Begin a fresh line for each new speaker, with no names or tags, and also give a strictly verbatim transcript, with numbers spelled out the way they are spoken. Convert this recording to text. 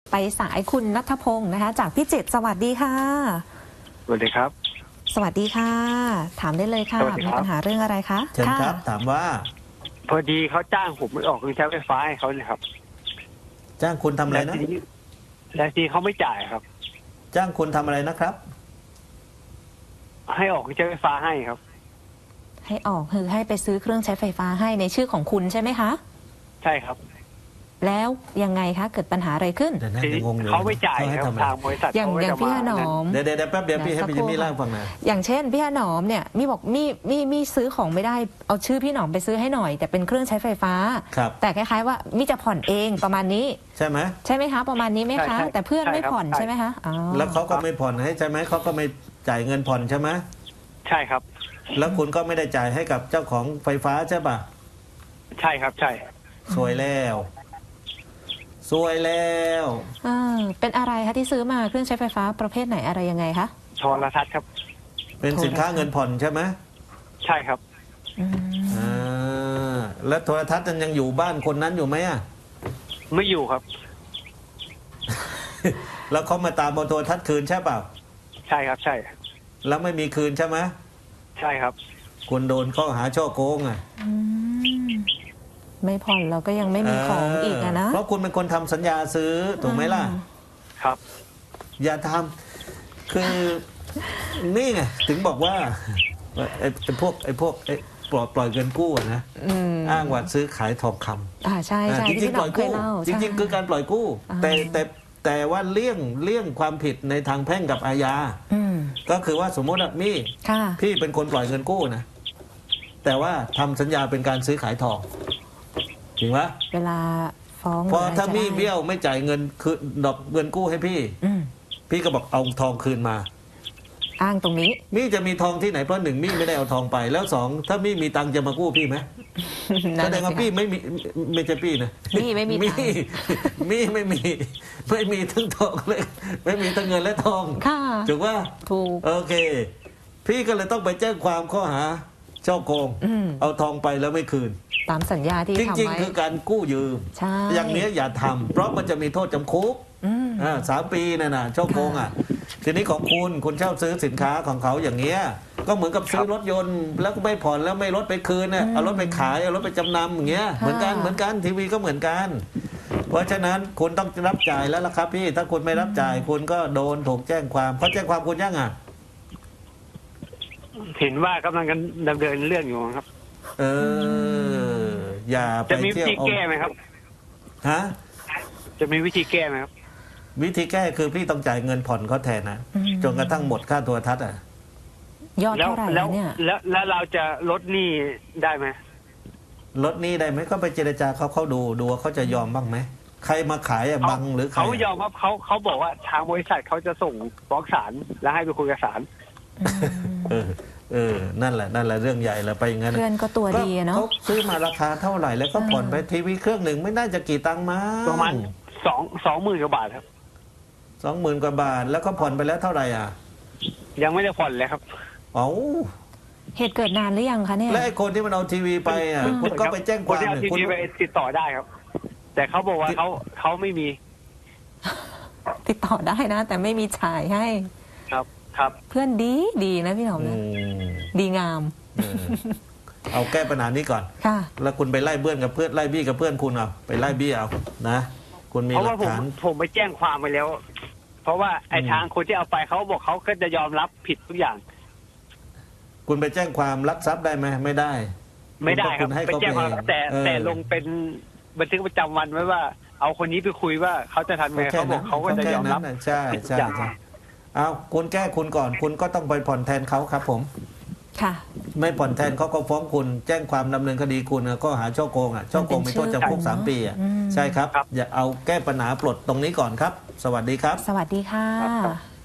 ไปสายคุณณัฐพงศ์นะคะ จากพิจิตรสวัสดีค่ะ
สวัสดีครับ
สวัสดีค่ะ ถามได้เลยค่ะมีปัญหาเรื่องอะไรคะ
เชิญครับถามว่า
พอดีเขาจ้างผมไปออกเครื่องใช้ไฟฟ้าให้เขาเลยครับ
จ้างคุณทำอะไรนะ
แต่ทีเขาไม่จ่ายครับ
จ้างคุณทำอะไรนะครับ
ให้ออกเครื่องใช้ไฟฟ้าให้ครับ
ให้ออกคือให้ไปซื้อเครื่องใช้ไฟฟ้าให้ในชื่อของคุณใช่ไหมคะ
ใช่ครับ
แล้วยังไงคะเกิดปัญหาอะไรขึ้น
เดี๋ยวนะยังงงอยู่
เขาไม่จ่ายครับทางบริษัท
อย่างอย่างพี่หนอม
เดี๋ยวเดี๋ยวแป๊บเดียวพี่ให้พี่จิมมี่เล่าฟังนะ
อย่างเช่นพี่หนอมเนี่ยมี่บอกมี่มี่มี่ซื้อของไม่ได้เอาชื่อพี่หนอมไปซื้อให้หน่อยแต่เป็นเครื่องใช้ไฟฟ้าแต่คล้ายๆว่ามี่จะผ่อนเองประมาณนี้
ใช่ไหม
ใช่ไหมคะประมาณนี้ไหมคะแต่เพื่อนไม่ผ่อนใช่ไหมคะ
แล้วเขาก็ไม่ผ่อนให้ใช่ไหมเขาก็ไม่จ่ายเงินผ่อนใช่ไหม
ใช่ครับ
แล้วคุณก็ไม่ได้จ่ายให้กับเจ้าของไฟฟ้าใช่ป่ะ
ใช่ครับใช่
สวยแล้วสวยแล้ว
อ่าเป็นอะไรคะที่ซื้อมาเครื่องใช้ไฟฟ้าประเภทไหนอะไรยังไงคะ
โทรทัศน์ครับ
เป็นสินค้าเงินผ่อนใช่ไหม
ใช่ครับ
อ่าแล้วโทรทัศน์นั้นยังอยู่บ้านคนนั้นอยู่ไหมอ่ะ
ไม่อยู่ครับ
แล้วเขามาตามเอาโทรทัศน์คืนใช่เปล่า
ใช่ครับใช่
แล้วไม่มีคืนใช่ไหม
ใช่ครับ
คุณโดนข้อหาช่อโกงอ่ะ
ไม่ผ่อนเราก็ยังไม่มีของอีกอะนะ
เพราะคุณเป็นคนทำสัญญาซื้อถูกไหมล่ะ
ครับ
อย่าทำคือนี่ไงถึงบอกว่าไอ้พวกไอ้พวกไอ้ปล่อยปล่อยเงินกู้นะอ้างว่าซื้อขายทองคำ
อ่าใช่ใช่
จริงๆปล่อยกู้จริงๆคือการปล่อยกู้แต่แต่แต่ว่าเลี่ยงเลี่ยงความผิดในทางแพ่งกับอาญาก็คือว่าสมมติว่ามี่พี่เป็นคนปล่อยเงินกู้นะแต่ว่าทำสัญญาเป็นการซื้อขายทองจริงไหม
เวลาฟ้อง
พอถ้ามี่เบี้ยวไม่จ่ายเงินคือดอกเงินกู้ให้พี่พี่ก็บอกเอาทองคืนมา
อ้างตรงนี้
มี่จะมีทองที่ไหนเพราะหนึ่งมี่ไม่ได้เอาทองไปแล้วสองถ้ามี่มีตังค์จะมากู้พี่ไหมแสดงว่าพี่ไม่มีไม่ใช่พี่นะ
มี่ไม่มี
มี่มี่ไม่มีไม่มีทั้งทองเลยไม่มีทั้งเงินและทองถูกว่า
ถูก
โอเคพี่ก็เลยต้องไปแจ้งความข้อหาช่อโกงเอาทองไปแล้วไม่คืน
ตามสัญญาที่ทำไว้
จริงๆคือการกู้ยืมอย่างนี้อย่าทำเพราะมันจะมีโทษจำคุกสามปีน่ะนะช่อโกงอ่ะทีนี้ของคุณคุณเช่าซื้อสินค้าของเขาอย่างเงี้ยก็เหมือนกับซื้อรถยนต์แล้วก็ไม่ผ่อนแล้วไม่รถไปคืนเนี่ยเอารถไปขายเอารถไปจำนำอย่างเงี้ยเหมือนกันเหมือนกันทีวีก็เหมือนกันเพราะฉะนั้นคุณต้องรับจ่ายแล้วล่ะครับพี่ถ้าคุณไม่รับจ่ายคุณก็โดนถูกแจ้งความเขาแจ้งความคุณยังอ่ะ
เห็นว่ากำลังกันดำเนินเรื่องอยู่ครับ
เอออย่าไปเที่ยว
จะมีวิธีแก้ไหมครับ
ฮะ
จะมีวิธีแก้ไหมครับ
วิธีแก้คือพี่ต้องจ่ายเงินผ่อนเขาแทนนะจนกระทั่งหมดค่าโทรทัศน์อ่ะ
ยอดเท่าไหร่เนี่ย
แล้วแล้วเราจะลดหนี้ได้ไหม
ลดหนี้ได้ไหมก็ไปเจรจาเขาเขาดูดูว่าเขาจะยอมบ้างไหมใครมาขายอะบังหรือใคร
เขายอมครับเขาเขาบอกว่าทางบริษัทเขาจะส่งฟ้องศาลแล้วให้ไปคุยกับศาล
เออเออนั่นแหละนั่นแหละเรื่องใหญ่แล้วไปอย่างนั้น
เพื่อนก็ตัวดีเนาะ
เขาซื้อมาราคาเท่าไหร่แล้วก็ผ่อนไปทีวีเครื่องหนึ่งไม่น่าจะกี่ตังค์มา
ประมาณสองสองหมื่นกว่าบาทครับ
สองหมื่นกว่าบาทแล้วก็ผ่อนไปแล้วเท่าไหร่อ่ะ
ยังไม่ได้ผ่อนเลยครับ
เอ้า
เหตุเกิดนานหรือยังคะเนี่ย
และไอ้คนที่มันเอาทีวีไปอ่ะคุณก็ไปแจ้งความ
คุณไปติดต่อได้ครับแต่เขาบอกว่าเขาเขาไม่มี
ติดต่อได้นะ แต่ไม่มีจ่ายให้
ครับครับ
เพื่อนดีดีนะพี่หนอมนะดีงาม
เอาแก้ปัญหานี้ก่อนแล้วคุณไปไล่เบื้อนกับเพื่อนไล่บี้กับเพื่อนคุณเอาไปไล่บี้เอานะคุณมีหลักฐาน
ผมไปแจ้งความไปแล้วเพราะว่าไอ้ทางคนที่เอาไปเขาบอกเขาก็จะยอมรับผิดทุกอย่าง
คุณไปแจ้งความลักทรัพย์ได้ไหมไม่ได้
ไม่ได้ครับไปแจ้งความแต่แต่ลงเป็นบันทึกประจำวันไว้ว่าเอาคนนี้ไปคุยว่าเขาจะทำไงเขาบอกเขาก็จะยอมรับ
ใช่ใช่ใช่เอาคุณแก้คุณก่อนคุณก็ต้องไปผ่อนแทนเขาครับผม
ค่ะ
ไม่ผ่อนแทนเขาก็ฟ้องคุณแจ้งความดำเนินคดีคุณก็หาช่อโกงอ่ะช่อโกงมีโทษจำคุกสามปีอ่ะใช่ครับอย่าเอาแก้ปัญหาปลดตรงนี้ก่อนครับสวัสดีครับ
สวัสดีค่ะ